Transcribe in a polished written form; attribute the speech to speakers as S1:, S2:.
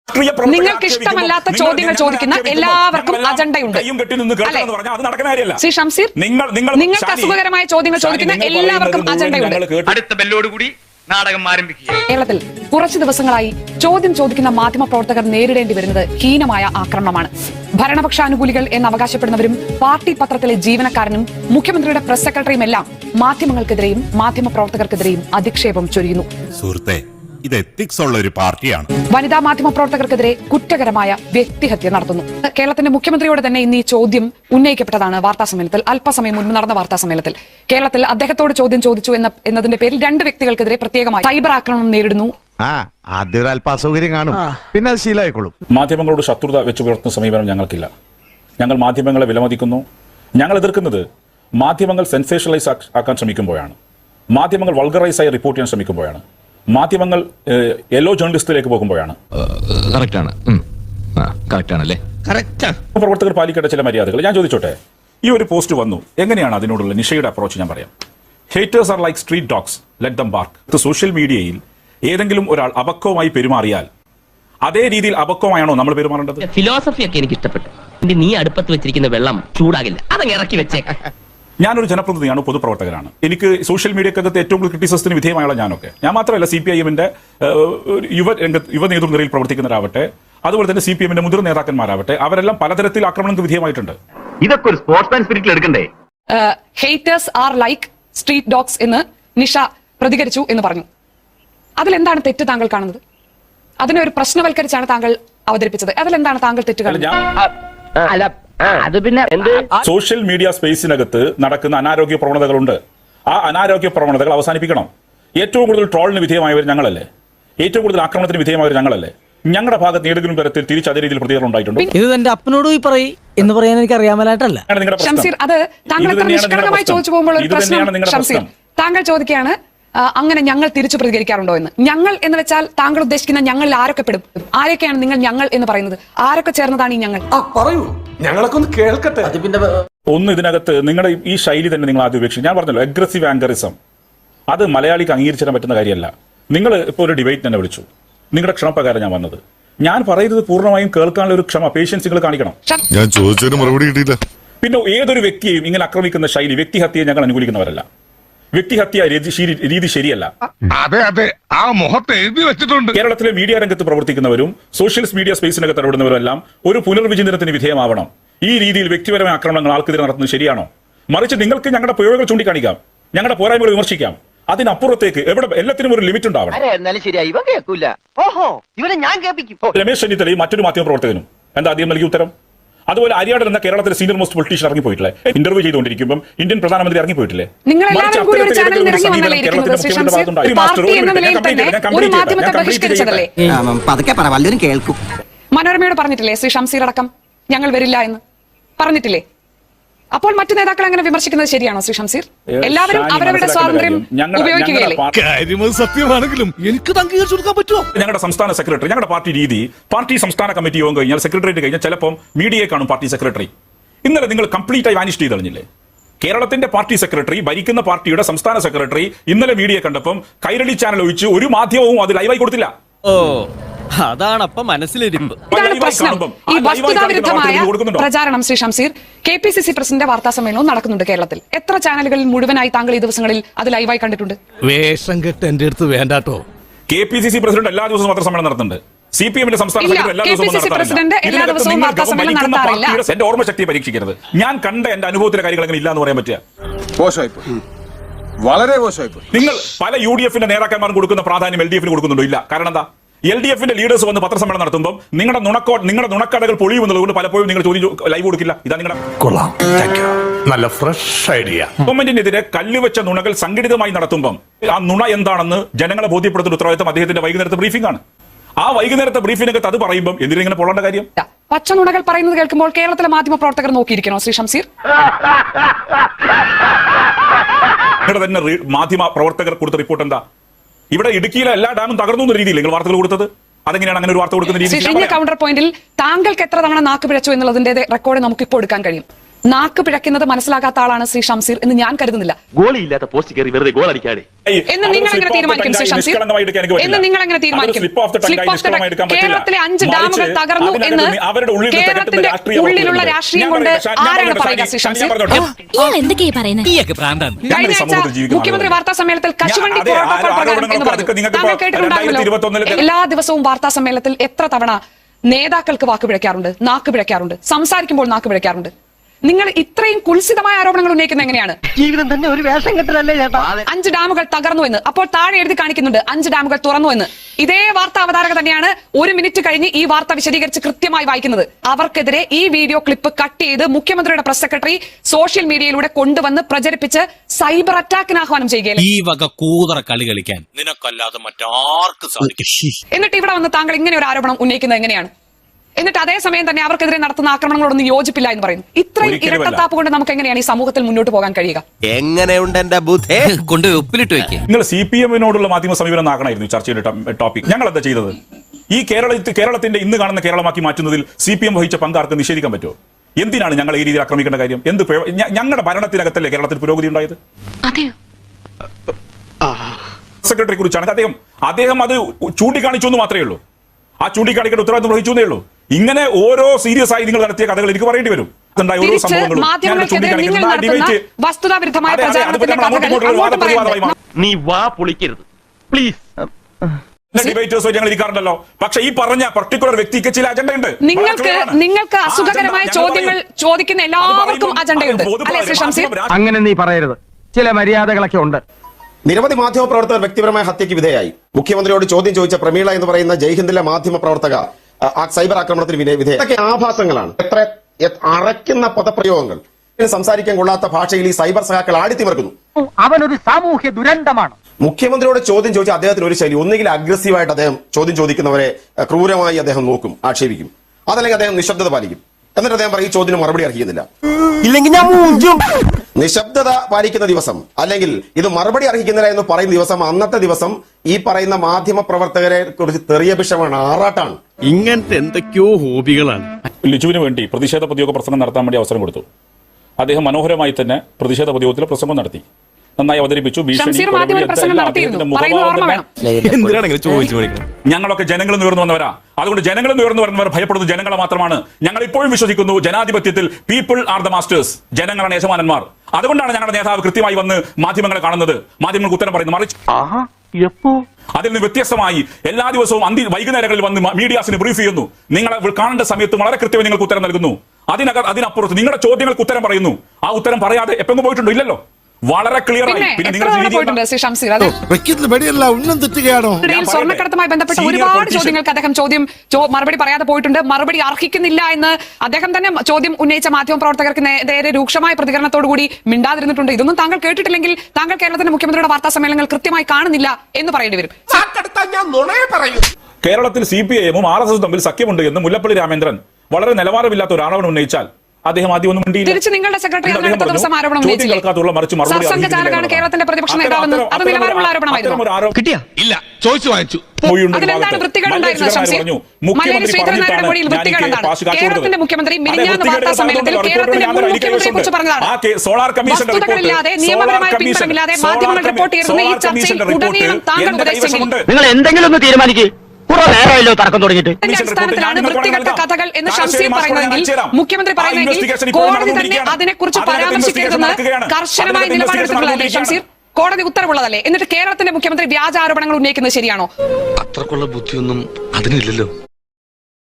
S1: നിങ്ങൾക്ക് ഇഷ്ടമല്ലാത്ത ചോദ്യങ്ങൾ ചോദിക്കുന്ന എല്ലാവർക്കും അജണ്ടയുണ്ട്. ശ്രീ ഷംസീർ, നിങ്ങൾക്ക് അസുഖകരമായ ചോദ്യങ്ങൾ ചോദിക്കുന്ന എല്ലാവർക്കും അജണ്ടയുണ്ട്.
S2: അടുത്ത ബെല്ലോടുകൂടി നാടകം ആരംഭിക്കുക.
S1: കേരളത്തിൽ കുറച്ചു ദിവസങ്ങളായി ചോദ്യം ചോദിക്കുന്ന മാധ്യമപ്രവർത്തകർ നേരിടേണ്ടി വരുന്നത് ഹീനമായ ആക്രമണമാണ്. ഭരണപക്ഷാനുകൂലികൾ എന്ന് അവകാശപ്പെടുന്നവരും പാർട്ടി പത്രത്തിലെ ജീവനക്കാരനും മുഖ്യമന്ത്രിയുടെ പ്രസ് സെക്രട്ടറിയും എല്ലാം മാധ്യമങ്ങൾക്കെതിരെയും മാധ്യമപ്രവർത്തകർക്കെതിരെയും അധിക്ഷേപം ചൊരിയുന്നു.
S3: സുഹൃത്തെ, ഇത് എത്തിക്സ് ഉള്ള ഒരു പാർട്ടിയാണ്.
S1: വനിതാ മാധ്യമപ്രവർത്തകർക്കെതിരെ കുറ്റകരമായ വ്യക്തിഹത്യ നടത്തുന്നു. കേരളത്തിന്റെ മുഖ്യമന്ത്രിയോട് തന്നെ ഇന്ന് ഈ ചോദ്യം ഉന്നയിക്കപ്പെട്ടതാണ് വാർത്താസമ്മേളനത്തിൽ. അല്പസമയം മുൻപ് നടന്ന വാർത്താസമ്മേളനത്തിൽ കേരളത്തിൽ അദ്ദേഹത്തോട് ചോദ്യം ചോദിച്ചു എന്നതിന്റെ പേരിൽ 2 വ്യക്തികൾക്കെതിരെ പ്രത്യേകമായി സൈബർ ആക്രമണം നേരിടുന്നു.
S4: ആദ്യം ഒരു അല്പാസൗകര്യം കാണും, പിന്നെ അത് ശീലമായിക്കോളും.
S5: മാധ്യമങ്ങളോട് ശത്രുത വെച്ച് പുലർത്തുന്ന സമീപനം ഞങ്ങൾക്കില്ല. ഞങ്ങൾ മാധ്യമങ്ങളെ വിലമതിക്കുന്നു. ഞങ്ങൾ എതിർക്കുന്നത് മാധ്യമങ്ങൾ സെൻസേഷണലൈസ് ആക്കാൻ ശ്രമിക്കുമ്പോഴാണ്, മാധ്യമങ്ങൾ വൾഗറൈസായി റിപ്പോർട്ട് ചെയ്യാൻ ശ്രമിക്കുമ്പോഴാണ്, മാധ്യമങ്ങൾ യെല്ലോ ജേർണലിസ്റ്റിലേക്ക് പോകുമ്പോഴാണ്. പ്രവർത്തകർ പാലിക്കേണ്ട ചില മര്യാദകൾ ഞാൻ ചോദിച്ചോട്ടെ. ഈ ഒരു പോസ്റ്റ് വന്നു, എങ്ങനെയാണ് അതിനോടുള്ള നിഷയുടെ അപ്രോച്ച്? ഞാൻ പറയാം. Haters are like street dogs, let them bark. Social മീഡിയയിൽ ഏതെങ്കിലും ഒരാൾ അപക്വമായി പെരുമാറിയാൽ അതേ രീതിയിൽ അപക്വമായാണോ നമ്മൾ പെരുമാറേണ്ടത്?
S6: ഫിലോസഫി ഒക്കെ എനിക്ക് ഇഷ്ടപ്പെട്ടു. നീ അടുപ്പത്ത് വെച്ചിരിക്കുന്ന വെള്ളം ചൂടാകില്ല, അതങ്ങ് ഇറക്കി വെച്ചേക്കാം.
S5: ഞാനൊരു ജനപ്രതിനിധിയാണ്, പൊതുപ്രവർത്തകനാണ്. എനിക്ക് സോഷ്യൽ മീഡിയക്കകത്ത് ഏറ്റവും കൂടുതൽ ക്രിറ്റിസിസത്തിന് വിധേയമായുള്ള ഞാനൊക്കെ. ഞാൻ മാത്രമല്ല, CPIM-ന്റെ യുവ നേതൃനിരയിൽ പ്രവർത്തിക്കുന്നവരാവട്ടെ, അതുപോലെ തന്നെ CPM-ന്റെ മുതിർന്ന നേതാക്കന്മാരാവട്ടെ, അവരെല്ലാം പലതരത്തിൽ ആക്രമണങ്ങൾക്ക് വിധേയമായിട്ടുണ്ട്.
S2: ഇതൊക്കെ ഒരു സ്പോർട്സ്മാൻ സ്പിരിറ്റിൽ എടുക്കണ്ടേ?
S1: Haters are like street dogs എന്ന് നിഷ പ്രതികരിച്ചു എന്ന് പറഞ്ഞു. അതിലെന്താണ് തെറ്റ് താങ്കൾ കാണുന്നത്? അതിനെ ഒരു പ്രശ്നവൽക്കരിച്ചാണ് താങ്കൾ അവതരിപ്പിച്ചത്. അതിലെന്താണ് താങ്കൾ തെറ്റ് കാണുന്നത്?
S6: അത് പിന്നെ
S5: സോഷ്യൽ മീഡിയ സ്പേസിനകത്ത് നടക്കുന്ന അനാരോഗ്യ പ്രവണതകളുണ്ട്. ആ അനാരോഗ്യ പ്രവണതകൾ അവസാനിപ്പിക്കണം. ഏറ്റവും കൂടുതൽ ട്രോളിന് വിധേയമായവർ ഞങ്ങളല്ലേ? ഏറ്റവും കൂടുതൽ ആക്രമണത്തിന് വിധേയമായവർ ഞങ്ങളല്ലേ? ഞങ്ങളുടെ ഭാഗത്ത് ഏതെങ്കിലും തരത്തിൽ തിരിച്ച് അതേ രീതിയിൽ പ്രതികരണം ഉണ്ടായിട്ടുണ്ട്?
S7: ഇത് എന്റെ അപ്പനോട് പോയി പറയും എന്ന് പറയാൻ എനിക്ക് അറിയാമലായിട്ടല്ല.
S1: ഷംസീർ, അത് താങ്കൾ നിഷ്കളങ്കമായി ചോദിച്ചു പോകുമ്പോൾ ഒരു പ്രശ്നം. ഷംസീർ, താങ്കൾ ചോദിക്കുകയാണ് അങ്ങനെ ഞങ്ങൾ തിരിച്ചു പ്രതികരിക്കാറുണ്ടോ എന്ന്. ഞങ്ങൾ എന്ന് വെച്ചാൽ താങ്കൾ ഉദ്ദേശിക്കുന്ന ഞങ്ങളിൽ ആരൊക്കെ പെടും? ആരൊക്കെയാണ് നിങ്ങൾ ഞങ്ങൾ എന്ന് പറയുന്നത്? ആരൊക്കെ ചേർന്നതാണ് ഈ ഞങ്ങൾ?
S8: പറയൂ, ഞങ്ങളൊക്കെ ഒന്ന് കേൾക്കട്ടെ.
S5: ഒന്ന്, ഇതിനകത്ത് നിങ്ങളുടെ ഈ ശൈലി തന്നെ നിങ്ങൾ ആദ്യം ഉപേക്ഷിക്കും. ഞാൻ പറഞ്ഞല്ലോ, അഗ്രസീവ് ആങ്കറിസം അത് മലയാളിക്ക് അംഗീകരിച്ചിടാൻ പറ്റുന്ന കാര്യമല്ല. നിങ്ങൾ ഇപ്പോൾ ഒരു ഡിബേറ്റ് തന്നെ വിളിച്ചു, നിങ്ങളുടെ ക്ഷണപ്രകാരം ഞാൻ വന്നത്. ഞാൻ പറയുന്നത് പൂർണ്ണമായും കേൾക്കാനുള്ള ഒരു ക്ഷമ, പേഷ്യൻസ് നിങ്ങൾ കാണിക്കണം.
S3: ഞാൻ ചോദിച്ചതിന് മറുപടി കിട്ടിയില്ല.
S5: പിന്നെ ഏതൊരു വ്യക്തിയെയും ഇങ്ങനെ ആക്രമിക്കുന്ന ശൈലി, വ്യക്തിഹത്യയെ ഞങ്ങൾ അനുകൂലിക്കുന്നവരല്ല. വ്യക്തിഹത്യ രീതി ശരിയല്ല.
S3: അതെ അതെ, ആ മുഖത്ത് എഴുതി വെച്ചിട്ടുണ്ട്.
S5: കേരളത്തിലെ മീഡിയ രംഗത്ത് പ്രവർത്തിക്കുന്നവരും സോഷ്യൽ മീഡിയ സ്പേസിനകത്ത് ഇടപെടുന്നവരും എല്ലാം ഒരു പുനർവിചിന്തനത്തിന് വിധേയമാവണം. ഈ രീതിയിൽ വ്യക്തിപരമായ ആക്രമണങ്ങൾ ആൾക്കെതിരെ നടത്തുന്നത് ശരിയാണോ? മറിച്ച് നിങ്ങൾക്ക് ഞങ്ങളുടെ പ്രയോഗങ്ങൾ ചൂണ്ടിക്കാണിക്കാം, ഞങ്ങളുടെ പോരായ്മകൾ വിമർശിക്കാം. അതിനപ്പുറത്തേക്ക് എല്ലാത്തിനും ഒരു ലിമിറ്റ് ഉണ്ടാവണം. രമേശ് ചെന്നിത്തലയും മറ്റൊരു മാധ്യമ പ്രവർത്തകനും എന്താ ആദ്യം നൽകിയ ഉത്തരം? അതുപോലെ അരിയാടൻ എന്ന കേരളത്തിലെ സീനിയർ മോസ്റ്റ് പൊളിറ്റീഷ്യൻ ഇറങ്ങിപ്പോയിട്ടില്ലേ? ഇന്റർവ്യൂ ചെയ്തുകൊണ്ടിരിക്കുമ്പോൾ ഇന്ത്യൻ പ്രധാനമന്ത്രി ഇറങ്ങിപ്പോയിട്ടില്ലേ?
S1: മനോരമയോട് പറഞ്ഞിട്ടില്ലേ ശ്രീ ഷംസീർ അടക്കം ഞങ്ങൾ വരില്ല എന്ന് പറഞ്ഞിട്ടില്ലേ? അപ്പോൾ മറ്റു നേതാക്കൾ അങ്ങനെ വിമർശിക്കുന്നത് ശരിയാണോ ശ്രീ ഷംസീർ? എല്ലാവരും അവരവരുടെ സ്വാതന്ത്ര്യം ഉപയോഗിക്കുകയല്ലേ?
S3: സത്യമാണെങ്കിലും എനിക്ക് അംഗീകരിച്ചു കൊടുക്കാൻ പറ്റുമോ?
S5: ഞങ്ങളുടെ സംസ്ഥാന സെക്രട്ടറി, ഞങ്ങളുടെ പാർട്ടി രീതി, പാർട്ടി സംസ്ഥാന കമ്മിറ്റി യോഗം കഴിഞ്ഞാൽ സെക്രട്ടേറിയറ്റ് കഴിഞ്ഞാൽ ചിലപ്പോൾ മീഡിയയെ കാണും പാർട്ടി സെക്രട്ടറി. ഇന്നലെ നിങ്ങൾ കംപ്ലീറ്റ് ആയി വാനിഷ് ചെയ്ത് കളഞ്ഞില്ലേ? കേരളത്തിന്റെ പാർട്ടി സെക്രട്ടറി, ഭരിക്കുന്ന പാർട്ടിയുടെ സംസ്ഥാന സെക്രട്ടറി ഇന്നലെ മീഡിയയെ കണ്ടപ്പം കൈരളി ചാനൽ ഒഴിച്ച് ഒരു മാധ്യമവും അത് ലൈവായി കൊടുത്തില്ല.
S7: അതാണപ്പം മനസ്സിലിരിപ്പ്.
S1: ഈ വസ്തുതാവിരുദ്ധമായ പ്രചാരണം ശ്രീ ഷംസീർ, KPCC പ്രസിഡന്റ് വാർത്താ സമ്മേളനവും നടക്കുന്നുണ്ട് കേരളത്തിൽ. എത്ര ചാനലുകളിൽ മുഴുവനായി താങ്കൾ ഈ ദിവസങ്ങളിൽ അത് ലൈവായി കണ്ടിട്ടുണ്ട്?
S7: വേഷം കെട്ട് എന്റെ അടുത്ത് വേണ്ടാട്ടോ.
S5: KPCC പ്രസിഡന്റ് എല്ലാ ദിവസവും വാർത്താ സമ്മേളനം നടത്തുന്നുണ്ട്. CPM-ന്റെ സംസ്ഥാന സെക്രട്ടറി എല്ലാ ദിവസവും
S1: നടത്താറില്ല.
S5: എന്റെ ഓർമ്മശക്തിയെ പരീക്ഷിക്കരുത്. ഞാൻ കണ്ട എന്റെ അനുഭവത്തിലെ കാര്യങ്ങൾ എങ്ങനെ ഇല്ല എന്ന് പറയാൻ പറ്റുക?
S8: വളരെ മോശമായിപ്പോയി.
S5: നിങ്ങൾ പല UDF-ന്റെ നേതാക്കന്മാരും കൊടുക്കുന്ന പ്രാധാന്യം LDF-ന് കൊടുക്കുന്നുണ്ടോ? ഇല്ല. കാരണം എന്താ? LDF-ന്റെ ലീഡേഴ്സ് വന്ന് പത്രസമ്മേളനം നടത്തുമ്പോൾ നിങ്ങളുടെ നുണക്കടകൾ പൊളിയുമെന്നുള്ളത് പലപ്പോഴും നിങ്ങൾ ചോദ്യം ലൈവ് കൊടുക്കില്ല. ഇതാ നിങ്ങളുടെ
S3: നല്ല ഫ്രഷ് ഐഡിയ.
S5: ഗവൺമെന്റിനെതിരെ കല്ലുവെച്ച നുണകൾ സംഘടിതമായി നടത്തുമ്പോൾ ആ നുണ എന്താണെന്ന് ജനങ്ങളെ ബോധ്യപ്പെടുത്തുന്ന ഉത്തരവാദിത്തം അദ്ദേഹത്തിന്റെ വൈകുന്നേരത്തെ ബ്രീഫിംഗ് ആണ്. ആ വൈകുന്നേരത്തെ ബ്രീഫിംഗിനകത്ത് അത് പറയുമ്പോൾ എന്തിനിങ്ങനെ പോകേണ്ട കാര്യം?
S1: പച്ച നുണകൾ പറയുന്നത് കേൾക്കുമ്പോൾ കേരളത്തിലെ മാധ്യമ പ്രവർത്തകർ നോക്കിയിരിക്കണോ ശ്രീ ഷംസീർ?
S5: നിങ്ങളുടെ തന്നെ മാധ്യമ പ്രവർത്തകർ കൊടുത്ത റിപ്പോർട്ട് എന്താ? ഇവിടെ ഇടുക്കിയിലെ എല്ലാ ഡാമും തകർന്നു എന്ന രീതിയിൽ നിങ്ങൾ വാർത്തകൾ കൊടുത്തത്. അതെങ്ങനെയാണ് അങ്ങനെ ഒരു വാർത്ത കൊടുക്കുന്ന രീതി?
S1: കൗണ്ടർ പോയിന്റിൽ താങ്കൾക്ക് എത്ര തവണ നാക്ക് പിഴച്ചു എന്നുള്ളതിന്റെ റെക്കോർഡ് നമുക്ക് ഇപ്പോൾ എടുക്കാൻ കഴിയും. നാക്ക് പിഴയ്ക്കുന്നത് മനസ്സിലാക്കാത്ത ആളാണ് ശ്രീ ഷംസീർ എന്ന് ഞാൻ കരുതുന്നില്ല.
S2: ഗോളിയില്ലാത്ത പോസ്റ്റ് കയറി വെറുതെ ഗോൾ അടിക്കാതെ.
S1: എന്ന് നിങ്ങൾ എങ്ങനെ തീരുമാനിക്കും ശ്രീ ഷംസീർ? എന്ന് നിങ്ങൾ എങ്ങനെ തീരുമാനിക്കും? കേരളത്തിലെ 5 ഡാമുകൾ തകർന്നു എന്ന് കേരളത്തിന്റെ ഉള്ളിലുള്ള രാഷ്ട്രീയം കൊണ്ട് ആരാണ് പറയുക ശ്രീ ഷംസീർ? കഴിഞ്ഞ ആഴ്ച മുഖ്യമന്ത്രി വാർത്താ സമ്മേളനത്തിൽ കശുവണ്ടി പ്രോട്ടോകോൾ പ്രകാരം എന്ന് പറഞ്ഞു. താങ്കൾ കേട്ടിട്ടുണ്ടാകുമല്ലോ. എല്ലാ ദിവസവും വാർത്താ സമ്മേളനത്തിൽ എത്ര തവണ നേതാക്കൾക്ക് വാക്ക് പിഴയ്ക്കാറുണ്ട്, നാക്ക് പിഴയ്ക്കാറുണ്ട്, സംസാരിക്കുമ്പോൾ നാക്ക് പിഴയ്ക്കാറുണ്ട്. നിങ്ങൾ ഇത്രയും കുൽസിതമായ ആരോപണങ്ങൾ ഉന്നയിക്കുന്നത് എങ്ങനെയാണ്?
S6: ജീവിതം തന്നെ ഒരു വേഷം കെട്ടലല്ലേ ചേട്ടാ.
S1: 5 ഡാമുകൾ തകർന്നു എന്ന്, അപ്പോൾ താഴെ എഴുതി കാണിക്കുന്നുണ്ട് 5 ഡാമുകൾ തുറന്നു എന്ന്. ഇതേ വാർത്താ അവതാരക തന്നെയാണ് 1 മിനിറ്റ് കഴിഞ്ഞ് ഈ വാർത്ത വിശദീകരിച്ച് കൃത്യമായി വായിക്കുന്നത്. അവർക്കെതിരെ ഈ വീഡിയോ ക്ലിപ്പ് കട്ട് ചെയ്ത് മുഖ്യമന്ത്രിയുടെ പ്രസ് സെക്രട്ടറി സോഷ്യൽ മീഡിയയിലൂടെ കൊണ്ടുവന്ന് പ്രചരിപ്പിച്ച് സൈബർ അറ്റാക്കിന് ആഹ്വാനം ചെയ്യുകയല്ലേ.
S7: ഈ വക കൂതറ കളി കളിക്കാൻ നിനക്കല്ലാതെ മറ്റാർക്കും സാധിക്കും.
S1: എന്നിട്ട് ഇവിടെ വന്ന് താങ്കൾ ഇങ്ങനെ ഒരു ആരോപണം ഉന്നയിക്കുന്നത് എങ്ങനെയാണ്? എന്നിട്ട് അതേസമയം തന്നെ അവർക്കെതിരെ നടത്തുന്ന ആക്രമണങ്ങളോടൊന്നും യോജിപ്പില്ല എന്ന് പറയുന്നു. ഇത്രയും ഇരട്ടത്താപ്പ് കൊണ്ട് നമുക്ക് എങ്ങനെയാണ് ഈ സമൂഹത്തിൽ മുന്നോട്ട് പോകാൻ കഴിയുക?
S4: എങ്ങനെയുണ്ട് എന്റെ ബുദ്ധി?
S7: കൊണ്ട് ഉപ്പിലിട്ട് വെക്കുക.
S5: നിങ്ങൾ CPM-നോടുള്ള മാധ്യമ സമീപനം ആക്കണമായിരുന്നു ചർച്ചയുടെ ടോപ്പിക്. ഞങ്ങൾ എന്താ ചെയ്തത്? ഈ കേരളത്തിന്റെ ഇന്ന് കാണുന്ന കേരളമാക്കി മാറ്റുന്നതിൽ CPM വഹിച്ച പങ്കാർക്ക് നിഷേധിക്കാൻ പറ്റുമോ? എന്തിനാണ് ഞങ്ങൾ ഈ രീതിയിൽ ആക്രമിക്കേണ്ട കാര്യം? ഞങ്ങളുടെ ഭരണത്തിനകത്തല്ലേ കേരളത്തിൽ പുരോഗതി ഉണ്ടായത്? സെക്രട്ടറി കുറിച്ചാണ് അദ്ദേഹം അത് ചൂണ്ടിക്കാണിച്ചു എന്ന് മാത്രമേ ഉള്ളൂ. ആ ചൂണ്ടിക്കാണിക്കേണ്ട ഉത്തരവാദിത്വം വഹിച്ചു എന്നേ ഉള്ളൂ. ഇങ്ങനെ ഓരോ സീരിയസ് ആയി നിങ്ങൾ നടത്തിയ കഥകൾ എനിക്ക് പറയേണ്ടി വരും.
S2: നീ വാ പൊളിക്കരുത് പ്ലീസ്.
S5: ഡിബേറ്റേഴ്സ് ഞങ്ങൾ ഇരിക്കാറുണ്ടല്ലോ. പക്ഷെ ഈ പറഞ്ഞ പർട്ടിക്കുലർ വ്യക്തിക്ക് ചില അജണ്ട ഉണ്ട്.
S1: നിങ്ങൾക്ക് അസുഖകരമായ ചോദ്യങ്ങൾ ചോദിക്കുന്ന എല്ലാവർക്കും അജണ്ടയുണ്ട് അല്ലേ ശ്രീ ഷംസീർ?
S6: അങ്ങനെ നീ പറയരുത്. ചില മര്യാദകളൊക്കെ ഉണ്ട്.
S9: നിരവധി മാധ്യമപ്രവർത്തകർ വ്യക്തിപരമായ ഹത്യയ്ക്ക് വിധേയായി. മുഖ്യമന്ത്രിയോട് ചോദ്യം ചോദിച്ച പ്രമീള എന്ന് പറയുന്ന ജയ്ഹിന്ദിലെ മാധ്യമപ്രവർത്തക സൈബർ ആക്രമണത്തിന് വിധേയ. ഇതൊക്കെ ആഭാസങ്ങളാണ്. എത്ര അറയ്ക്കുന്ന പദപ്രയോഗങ്ങൾ, സംസാരിക്കാൻ കൊള്ളാത്ത ഭാഷയിൽ ഈ സൈബർ സഹാക്കൾ ആടിത്തിമർക്കുന്നു.
S6: അവനൊരു സാമൂഹ്യ ദുരന്തമാണ്.
S9: മുഖ്യമന്ത്രിയോട് ചോദ്യം ചോദിച്ച അദ്ദേഹത്തിന് ഒരു ശൈലി, ഒന്നുകിൽ അഗ്രസീവായിട്ട് അദ്ദേഹം ചോദ്യം ചോദിക്കുന്നവരെ ക്രൂരമായി അദ്ദേഹം നോക്കും, ആക്ഷേപിക്കും. അതല്ലെങ്കിൽ അദ്ദേഹം നിശബ്ദത പാലിക്കും. എന്നിട്ട് അദ്ദേഹം പറയും ഈ ചോദ്യത്തിന് മറുപടി അർഹിക്കുന്നില്ല.
S6: ഇല്ലെങ്കിൽ ഞാൻ
S9: നിശബ്ദത പാലിക്കുന്ന ദിവസം, അല്ലെങ്കിൽ ഇത് മറുപടി അർഹിക്കുന്നില്ല എന്ന് പറയുന്ന ദിവസം, അന്നത്തെ ദിവസം ഈ പറയുന്ന മാധ്യമ പ്രവർത്തകരെ കുറിച്ച് തെറിയഭിഷമാണ്, ആറാട്ടാണ്.
S7: ഇങ്ങനത്തെ എന്തൊക്കെയോ ഹോബികളാണ്.
S5: ലിജുവിന് വേണ്ടി പ്രതിഷേധ പൊതുയോഗ പ്രസംഗം നടത്താൻ വേണ്ടി അവസരം കൊടുത്തു. അദ്ദേഹം മനോഹരമായി തന്നെ പ്രതിഷേധ പൊതുയോഗത്തിൽ പ്രസംഗം നടത്തി, നന്നായി അവതരിപ്പിച്ചു. ഞങ്ങളൊക്കെ ജനങ്ങളിൽ നിന്ന് ഉയർന്നു വന്നവരാ. അതുകൊണ്ട് ജനങ്ങളിൽ നിന്ന് ഉയർന്നു വരുന്നവർ ഭയപ്പെടുന്നത് ജനങ്ങളെ മാത്രമാണ്. ഞങ്ങൾ ഇപ്പോഴും വിശ്വസിക്കുന്നു ജനാധിപത്യത്തിൽ പീപ്പിൾ ആർ ദ മാസ്റ്റേഴ്സ്, ജനങ്ങളാണ് യജമാനന്മാർ. അതുകൊണ്ടാണ് ഞങ്ങളുടെ നേതാവ് കൃത്യമായി വന്ന് മാധ്യമങ്ങളെ കാണുന്നത്, മാധ്യമങ്ങൾക്ക് ഉത്തരം പറയുന്നത്. മറിച്ച് അതിൽ നിന്ന് വ്യത്യസ്തമായി എല്ലാ ദിവസവും വൈകുന്നേരങ്ങളിൽ വന്ന് മീഡിയാസിന് ബ്രീഫ് ചെയ്യുന്നു. നിങ്ങളെ കാണേണ്ട സമയത്ത് വളരെ കൃത്യമായി നിങ്ങൾക്ക് ഉത്തരം നൽകുന്നു. അതിനപ്പുറത്ത് നിങ്ങളുടെ ചോദ്യങ്ങൾക്ക് ഉത്തരം പറയുന്നു. ആ ഉത്തരം പറയാതെ എപ്പോഴും പോയിട്ടുണ്ടോ? ഇല്ലല്ലോ. വളരെ ക്ലിയർ ആയി.
S1: സ്വർണ്ണക്കടത്തുമായി ബന്ധപ്പെട്ട ഒരുപാട് ചോദ്യങ്ങൾക്ക് അദ്ദേഹം മറുപടി പറയാതെ പോയിട്ടുണ്ട്. മറുപടി അർഹിക്കുന്നില്ല എന്ന് അദ്ദേഹം തന്നെ ചോദ്യം ഉന്നയിച്ച മാധ്യമ പ്രവർത്തകർക്ക് നേരെ രൂക്ഷമായ പ്രതികരണത്തോടുകൂടി മിണ്ടാതിരുന്നിട്ടുണ്ട്. ഇതൊന്നും താങ്കൾ കേട്ടിട്ടില്ലെങ്കിൽ താങ്കൾ കേരളത്തിന്റെ മുഖ്യമന്ത്രിയുടെ വാർത്താ സമ്മേളനങ്ങൾ കൃത്യമായി കാണുന്നില്ല എന്ന് പറയേണ്ടി വരും.
S5: കേരളത്തിൽ CPIM-ഉം RSS തമ്മിൽ സഖ്യമുണ്ട് എന്ന് മുല്ലപ്പള്ളി രാമേന്ദ്രൻ വളരെ നിലവാരമില്ലാത്ത ഒരു ആരോപണം ഉന്നയിച്ചാൽ അദ്ദേഹം ആദ്യം ഒന്നും മിണ്ടിയില്ല.
S1: തിരിച്ച് നിങ്ങളുടെ സെക്രട്ടറി അടുത്ത ദിവസം ആരോപണം സർസംഘചാലകാണ് കേരളത്തിന്റെ പ്രതിപക്ഷ നേതാവെന്ന് അത് നിലവാരമുള്ള ആരോപണമായിരുന്നു.
S3: കിട്ടിയ ഇല്ല, ചോദിച്ചു വാങ്ങിച്ചു.
S1: അതിലെന്താണ് വൃത്തികേടുണ്ടായിരുന്നത് ശംസീർ? മലയാളി ശ്രീധരനാരുടെ മൊഴിയിൽ വൃത്തികേടെന്താണ്? കേരളത്തിന്റെ മുഖ്യമന്ത്രി മിനിഞ്ഞാന്ന് വാർത്താ സമ്മേളനത്തിൽ കേരളത്തിന്റെ മുൻ മുഖ്യമന്ത്രിയെ കുറിച്ച് പറഞ്ഞതാണ്. വസ്തുതകളില്ലാതെ നിയമപരമായ പിൻബലമില്ലാതെ മാധ്യമങ്ങൾ റിപ്പോർട്ട് ചെയ്യുന്ന ഈ ചർച്ചയിൽ ഉടനീളം താങ്കൾ ഉപദേശിച്ചെങ്കിൽ
S6: നിങ്ങൾ എന്തെങ്കിലും ഒന്ന് തീരുമാനിക്കേ. നേരമല്ലോ തർക്കം തുടങ്ങിയിട്ട്.
S1: അടിസ്ഥാനത്തിലാണ് വൃത്തികെട്ട കഥകൾ എന്ന് ഷംസീർ പറയുന്നതെങ്കിൽ, മുഖ്യമന്ത്രി പറയുന്നതെങ്കിൽ കോടതി തന്നെ അതിനെക്കുറിച്ച് പരാമർശിക്കരുതെന്ന് കർശനമായ നിലപാടെടുത്തിട്ടുള്ളതല്ലേ ഷംസീർ? കോടതി ഉത്തരവുള്ളതല്ലേ? എന്നിട്ട് കേരളത്തിന്റെ മുഖ്യമന്ത്രി വ്യാജ ആരോപണങ്ങൾ ഉന്നയിക്കുന്നത് ശരിയാണോ?
S3: അത്രക്കുള്ള ബുദ്ധിയൊന്നും അതിനില്ലല്ലോ.